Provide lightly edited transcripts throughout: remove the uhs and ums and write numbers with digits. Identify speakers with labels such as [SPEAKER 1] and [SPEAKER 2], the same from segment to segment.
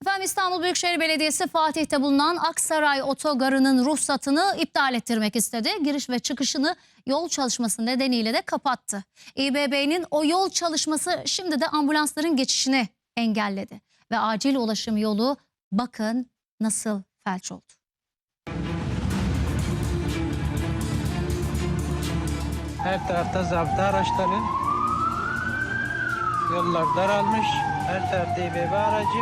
[SPEAKER 1] Efendim İstanbul Büyükşehir Belediyesi Fatih'te bulunan Aksaray Otogarı'nın ruhsatını iptal ettirmek istedi. Giriş ve çıkışını yol çalışması nedeniyle de kapattı. İBB'nin o yol çalışması şimdi de ambulansların geçişini engelledi. Ve acil ulaşım yolu bakın nasıl felç oldu.
[SPEAKER 2] Her tarafta zabıta araçları. Yollar daralmış. Her tarafta İBB aracı.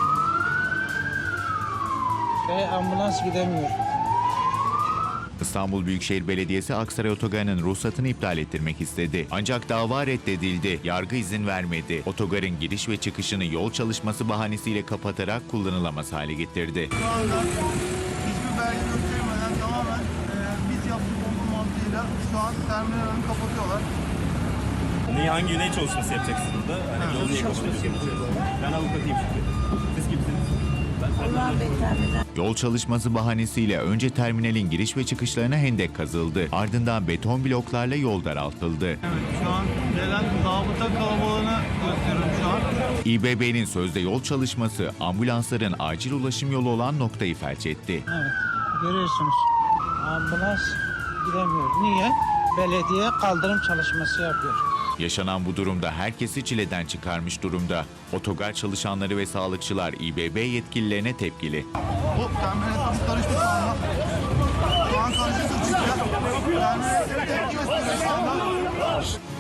[SPEAKER 2] Ve ambulans gidemiyor.
[SPEAKER 3] İstanbul Büyükşehir Belediyesi Aksaray Otogarı'nın ruhsatını iptal ettirmek istedi. Ancak dava reddedildi. Yargı izin vermedi. Otogarın giriş ve çıkışını yol çalışması bahanesiyle kapatarak kullanılamaz hale getirdi.
[SPEAKER 4] Şu anda hiçbir belge göstermeden tamamen biz yaptık olduğu mantığıyla şu an terminal önünü kapatıyorlar.
[SPEAKER 5] Hangi ne çalışması yapacaksınız burada? Hani yol niye kapatıyorsunuz? Ben avukatıyım şimdi. Siz kimsiniz?
[SPEAKER 3] Yol çalışması bahanesiyle önce terminalin giriş ve çıkışlarına hendek kazıldı. Ardından beton bloklarla yol daraltıldı.
[SPEAKER 4] Evet, şu an gelen zabıta kalabalığını gösteriyorum şu an.
[SPEAKER 3] İBB'nin sözde yol çalışması ambulansların acil ulaşım yolu olan noktayı felç etti.
[SPEAKER 2] Evet, görüyorsunuz. Ambulans gidemiyor. Niye? Belediye kaldırım çalışması yapıyor.
[SPEAKER 3] Yaşanan bu durumda herkesi çileden çıkarmış durumda. Otogar çalışanları ve sağlıkçılar İBB yetkililerine tepkili.
[SPEAKER 4] Bu terminal kapı karıştı şu anda. Şu an karışık çıkıyor. Terminal tepki gösteriyor şu anda.